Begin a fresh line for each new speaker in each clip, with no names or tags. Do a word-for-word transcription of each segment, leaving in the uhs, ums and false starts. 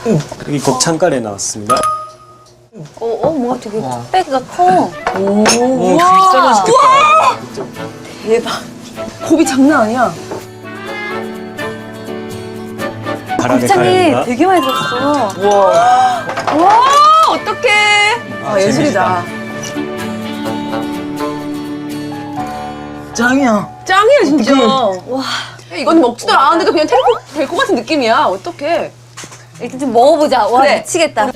여기 곱창가래 나왔습니다.
어, 어 뭔가 되게 뚝배기가 커.
오,
진짜 맛있겠다.
대박. 곱이 장난 아니야.
바람의
곱창이
카레입니다.
되게 많이 들었어.
와. 와, 어떡해. 아, 예술이다.
짱이야.
짱이야, 진짜. 와. 이건 먹지도 않았는데 그냥 될 것 같은 느낌이야. 어떡해.
일단 좀 먹어보자. 와
그래.
미치겠다.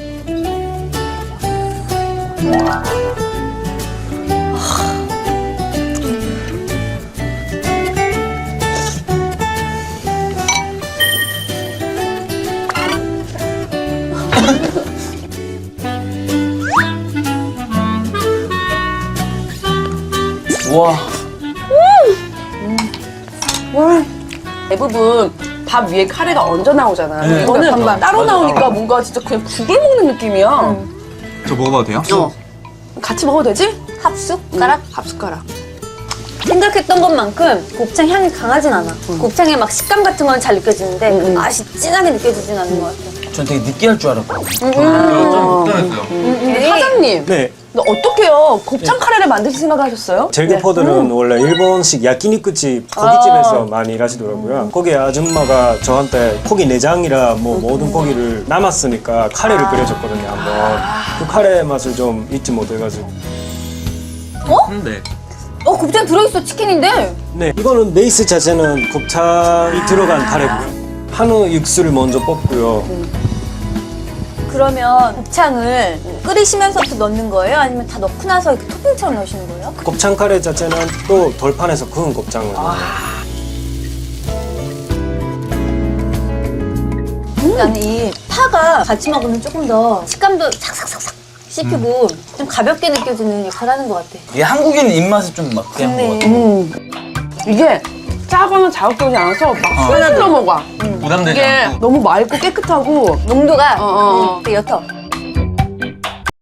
우와.
와. 대부분 밥 위에 카레가 얹어 나오잖아.
네.
이거는
반반.
따로 나오니까 뭔가 진짜 그냥 국을 먹는 느낌이야.
저 먹어봐도 돼요?
어. 같이 먹어도 되지?
합숟가락?
밥숟가락.
생각했던 것만큼 곱창 향이 강하진 않아. 곱창의 막 식감 같은 건 잘 느껴지는데 그 맛이 진하게 느껴지진 않는 것 같아.
전 되게 느끼할 줄 알았거든요.
음.
좀 못당했어요.
근데 사장님,
네.
근데 어떡해요? 곱창 카레를 만드실 생각을 하셨어요?
젤기포들은 원래 일본식 야끼니쿠집 고깃집에서 많이 일하시더라고요. 거기 아줌마가 저한테 고기 내장이라 뭐 모든 고기를 남았으니까 카레를 끓여줬거든요. 한번 그 카레 맛을 좀 잊지 못해가지고.
근데
어 곱창 들어있어 치킨인데.
네, 이거는 베이스 자체는 곱창이 들어간 카레고요. 한우 육수를 먼저 볶고요.
그러면 곱창을 끓이시면서부터 넣는 거예요? 아니면 다 넣고 나서 이렇게 토핑처럼 넣으시는 거예요?
곱창 카레 자체는 또 돌판에서 구운 곱창을 넣어요.
나는 이 파가 같이 먹으면 조금 더 식감도 삭삭삭삭 씹히고 좀 가볍게 느껴지는 역할을 하는 것 같아.
이게 한국인 입맛에 좀 맞게 한 것
네.
같아요.
음. 이게 짜거나 자극적이지 않아서 막 술술 넘어가.
부담되지
이게
않고.
너무 맑고 깨끗하고
농도가
어, 어.
음, 되게 옅어.